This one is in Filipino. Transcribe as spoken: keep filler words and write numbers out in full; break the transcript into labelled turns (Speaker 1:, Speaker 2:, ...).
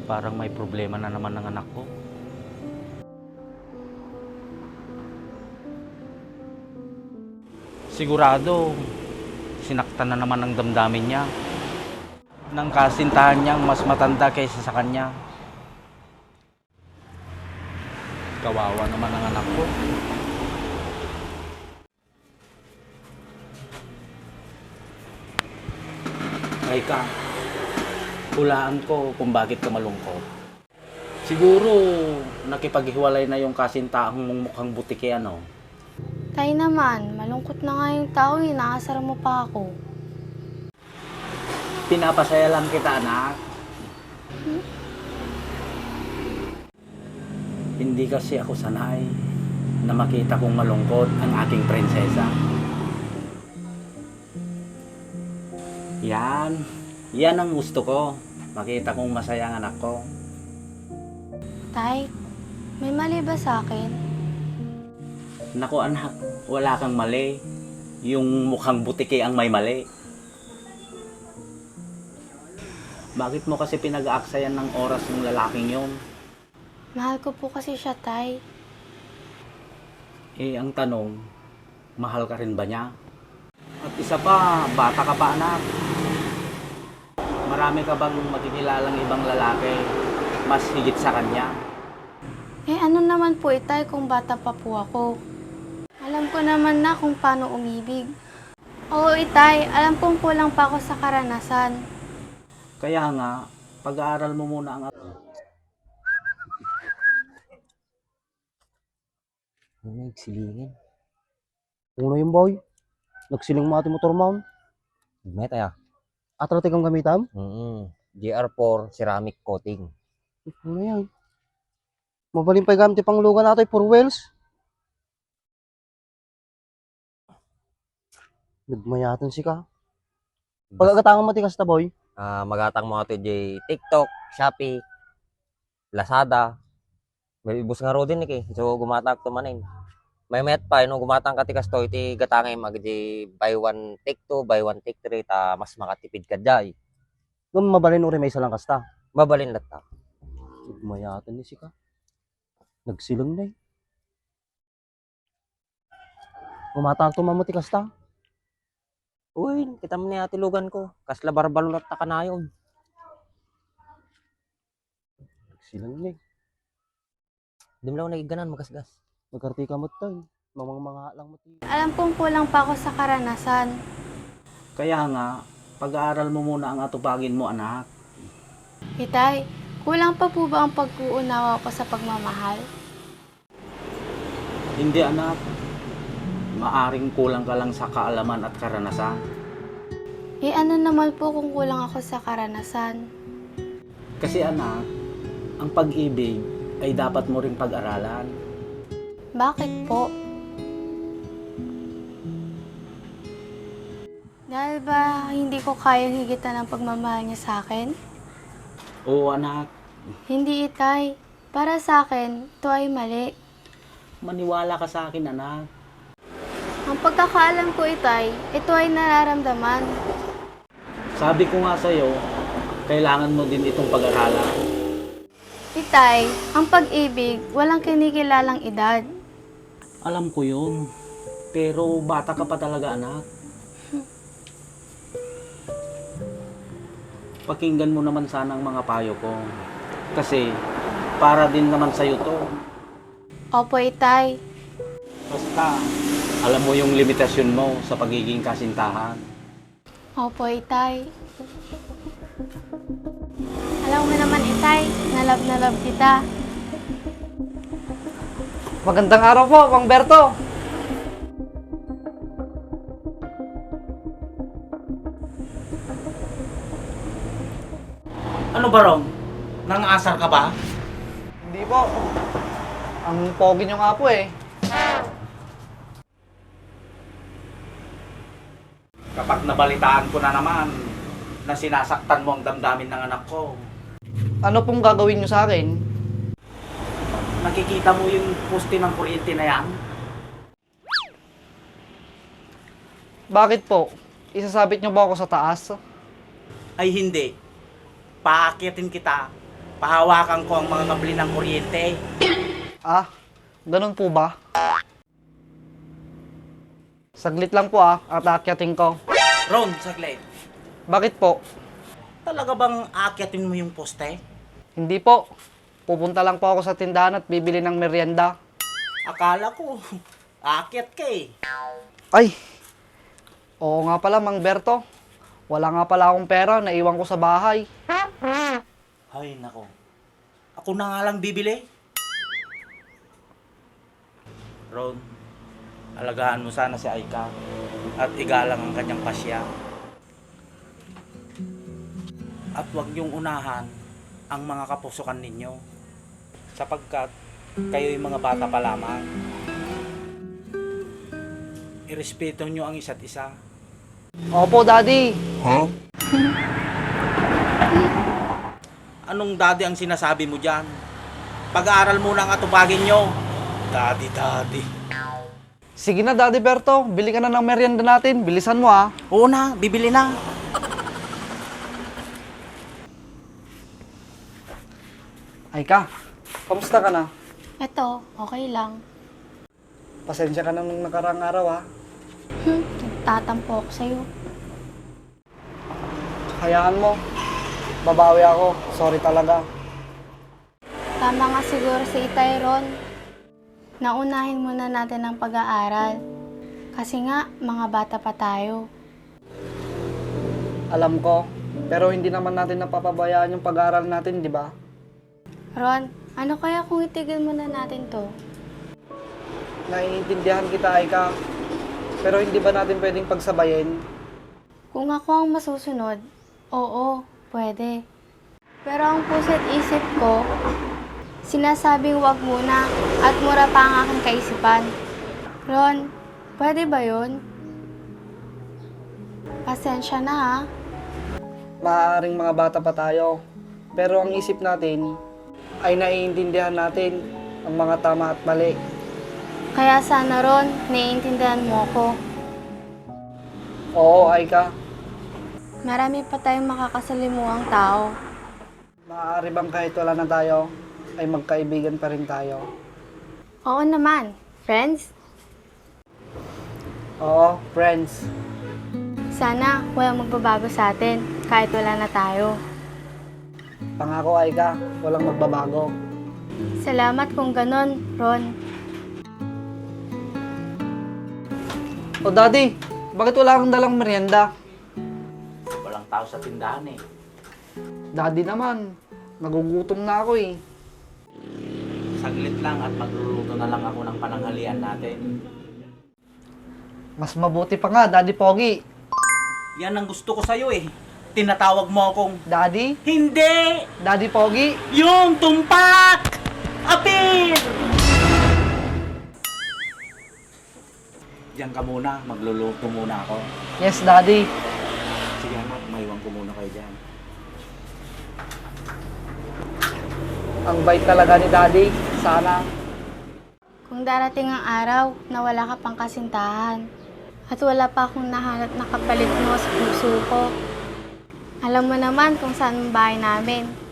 Speaker 1: Parang may problema na naman ng anak ko. Sigurado, sinaktan na naman ang damdamin niya ng kasintahan niyang mas matanda kaysa sa kanya. Kawawa naman ang anak ko. Ay ka, hulaan ko kung bakit ka malungkot. Siguro, nakipaghiwalay na yung kasintahang mong mukhang butike ano.
Speaker 2: Tay naman, malungkot na nga yung tao eh, nakasara mo pa ako.
Speaker 1: Pinapasaya lang kita, anak.
Speaker 2: Hmm?
Speaker 1: Hindi kasi ako sanay na makita kong malungkot ang aking prinsesa. Yan. Yan ang gusto ko. Makita kong masaya ang anak ko.
Speaker 2: Tay, may mali ba sa akin?
Speaker 1: Naku anak, wala kang mali. Yung mukhang butike ang may mali. Bakit mo kasi pinag-aaksayan ng oras ng lalaking yon?
Speaker 2: Mahal ko po kasi siya, Tay.
Speaker 1: Eh, ang tanong, mahal ka rin ba niya? At isa pa, bata ka pa anak. Marami ka bang makikilalang ibang lalaki mas higit sa kanya?
Speaker 2: Eh ano naman po itay kung bata pa po ako? Alam ko naman na kung paano umibig. Oo itay, alam kong kulang pa ako sa karanasan.
Speaker 1: Kaya nga, pag-aaral mo muna ang...
Speaker 3: Ano nagsilingin? Uno yung boy. Nagsiling mo ati motor mount. Meta ya. Atratik ang gamitam? Mm G R four ceramic coating. Ano yan? Mabaling pa gamit pang lugan natin for wheels. Nagmayatan si ka. Pagkakatangan mo tikas ta boy. Ah, magatang mo ato di TikTok, Shopee, Lazada. May ibus nga ro din eh. So gumatag to manin. May met pa no gumatang ka tikas to iti gatangay mag di buy one take two, buy one take three ta mas makatipid ka jay. Ngum mabalin uri may salang kasta. Mabalin latta. Mayatan ni si ka. Nagsilang na eh. Gumatang to mamuti kasta. Uy, kita mo ni ati lugan ko. Kasla barbalot ta kanayon. Nagsilang na eh. Di mo lang nagiganan magasgas. Magkarti ka mo tayo. Mamang mga lang mo tayo.
Speaker 2: Alam kong kulang pa ako sa karanasan.
Speaker 1: Kaya nga, pag-aaral mo muna ang atupagin mo anak.
Speaker 2: Itay, kulang pa po ba ang pag-uunawa ko sa pagmamahal?
Speaker 1: Hindi anak. Maaring kulang ka lang sa kaalaman at karanasan.
Speaker 2: Eh ano naman po kung kulang ako sa karanasan?
Speaker 1: Kasi anak, ang pag-ibig ay dapat mo ring pag-aralan.
Speaker 2: Bakit po? Dahil ba hindi ko kayang higitan ang pagmamahal niya sa akin?
Speaker 1: Oo anak,
Speaker 2: Hindi itay. Para sa akin, ito ay mali.
Speaker 1: maniwala ka sa akin anak.
Speaker 2: Ang pagkakaalam ko itay, ito ay nararamdaman.
Speaker 1: Sabi ko nga sa'yo, kailangan mo din itong pag-aralan.
Speaker 2: Itay, ang pag-ibig, walang kinikilalang edad.
Speaker 1: Alam ko yun, pero bata ka pa talaga anak. Pakinggan mo naman sana ang mga payo ko. Kasi, para din naman sa'yo to.
Speaker 2: Opo itay.
Speaker 1: Basta, alam mo yung limitasyon mo sa pagiging kasintahan.
Speaker 2: Opo itay. Alam mo naman itay, na love na love kita.
Speaker 4: Magandang araw po, Mang Berto.
Speaker 1: Ano ba Rom? Nangasar ka ba?
Speaker 4: Hindi po. Ang pogi nyo nga po eh.
Speaker 1: Kapag nabalitaan ko na naman na sinasaktan mo ang damdamin ng anak ko,
Speaker 4: Ano pong gagawin nyo sa akin?
Speaker 1: nakikita mo yung poste ng kuryente na yan?
Speaker 4: Bakit po? Isasabit nyo ba ako sa taas?
Speaker 1: Ay hindi. Paakyatin kita pahawakan ko ang mga kabli ng kuryente.
Speaker 4: Ah, ganun po ba? Saglit lang po ah, at aakyatin ko.
Speaker 1: Ron, saglit.
Speaker 4: Bakit po?
Speaker 1: Talaga bang aakyatin mo yung poste?
Speaker 4: Hindi po. Pupunta lang po ako sa tindahan at bibili ng merienda.
Speaker 1: Akala ko, aakyat ka eh.
Speaker 4: Ay! Oo nga pala, Mang Berto. Wala nga pala akong pera, naiwan ko sa bahay.
Speaker 1: Ay, nako. Ako na nga lang bibili. Ron, alagaan mo sana si Aika at igalang ang kanyang pasya. At huwag niyong unahan ang mga kapusukan ninyo sapagkat kayo'y mga bata pa lamang. Irespeto niyo ang isa't isa.
Speaker 4: Opo, Daddy.
Speaker 1: Anong daddy ang sinasabi mo dyan? Pag-aaral muna ang atupagin nyo. Daddy, daddy.
Speaker 4: Sige na, Daddy Berto. Bili ka na ng merienda natin. Bilisan mo ah.
Speaker 1: Oo na, bibili na.
Speaker 4: Aika, kamusta ka na?
Speaker 2: Eto, okay lang.
Speaker 4: Pasensya ka na nung nakarang araw ah.
Speaker 2: Hmm, nagtatampo ako sa'yo.
Speaker 4: Hayaan mo. Babawi ako. Sorry talaga.
Speaker 2: Tama nga siguro si Itay Ron. Naunahin muna natin ang pag-aaral. Kasi nga, mga bata pa tayo.
Speaker 4: Alam ko. Pero hindi naman natin napapabayaan yung pag-aaral natin, di ba?
Speaker 2: Ron, ano kaya kung itigil muna natin to?
Speaker 4: Naiintindihan kita, Aika. Pero hindi ba natin pwedeng pagsabayin?
Speaker 2: Kung ako ang masusunod, oo, pwede. Pero ang puso't isip ko, sinasabing wag muna at mura pa ang aking kaisipan. Ron, pwede ba yun? Pasensya na ha.
Speaker 4: Maaaring mga bata pa tayo. Pero ang isip natin ay naiintindihan natin ang mga tama at mali.
Speaker 2: Kaya sana Ron, naiintindihan mo ko.
Speaker 4: Oo, Aika.
Speaker 2: Marami pa tayong makakasalimuhang tao.
Speaker 4: Maaari bang kahit wala na tayo, ay magkaibigan pa rin tayo?
Speaker 2: Oo naman, friends.
Speaker 4: Oo, friends.
Speaker 2: Sana walang magbabago sa atin kahit wala na tayo.
Speaker 4: Pangako, Aika, walang magbabago.
Speaker 2: Salamat kung ganon, Ron.
Speaker 4: O Daddy, bakit wala kang dalang merienda?
Speaker 1: Walang tao sa tindahan eh.
Speaker 4: Daddy naman, nagugutom na ako eh.
Speaker 1: Saglit lang at magluluto na lang ako ng pananghalian natin.
Speaker 4: Mas mabuti pa nga, Daddy Pogi.
Speaker 1: Yan ang gusto ko sa'yo eh. Tinatawag mo akong,
Speaker 4: Daddy?
Speaker 1: hindi!
Speaker 4: Daddy Pogi?
Speaker 1: Yung tumpak! Apir! Diyan ka muna, magluluto muna ako.
Speaker 4: Yes, Daddy.
Speaker 1: Sige anak, maiwan ko muna kayo dyan.
Speaker 4: Ang bait talaga ni Daddy. Sana.
Speaker 2: Kung darating ang araw na wala ka pang kasintahan at wala pa akong nahanap na kapalit mo sa puso ko, alam mo naman kung saan ang bahay namin.